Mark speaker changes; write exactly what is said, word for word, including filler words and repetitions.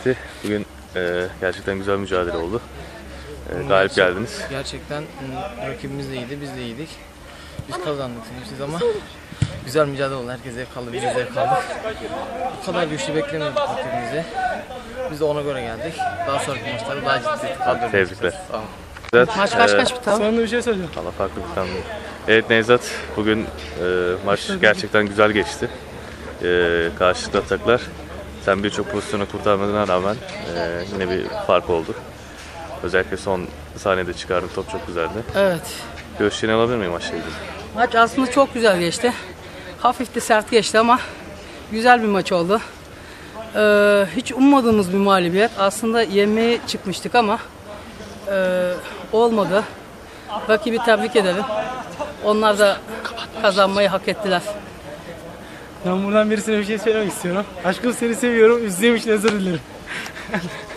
Speaker 1: geçti? Bugün e, gerçekten güzel mücadele oldu. E, galip geldiniz.
Speaker 2: Gerçekten m, rakibimiz de iyiydi, biz de iyiydik. Biz kazandık siz ama güzel mücadele oldu. Herkes zevk aldı, biz de zevk aldık. Bu kadar güçlü beklemiyorduk rakibimizi. Biz de ona göre geldik. Daha sonraki maçlarda daha ciddi kadro.
Speaker 1: Tebrikler.
Speaker 2: Tamam.
Speaker 1: Nevzat,
Speaker 3: Maç kaç
Speaker 1: e,
Speaker 3: kaç bitti abi?
Speaker 4: Sonra bir şey söyleyeceğim.
Speaker 1: Valla farklı bir tane. Evet Nevzat, bugün e, maç gerçekten güzel geçti. E, karşılıklı ataklar. Sen birçok pozisyonu kurtarmadığına rağmen e, yine bir fark oldu. Özellikle son saniyede çıkardın, top çok güzeldi.
Speaker 3: Evet.
Speaker 1: Görüşlerini alabilir miyim maçla ilgili?
Speaker 3: Maç aslında çok güzel geçti. Hafif de sert geçti ama güzel bir maç oldu. Ee, hiç ummadığımız bir mağlubiyet. Aslında yenmeye çıkmıştık ama e, olmadı. Rakibi tebrik ederim. Onlar da kazanmayı hak ettiler.
Speaker 4: Ben buradan birisine bir şey söylemek istiyorum. Aşkım seni seviyorum. Üzdüğüm için özür dilerim.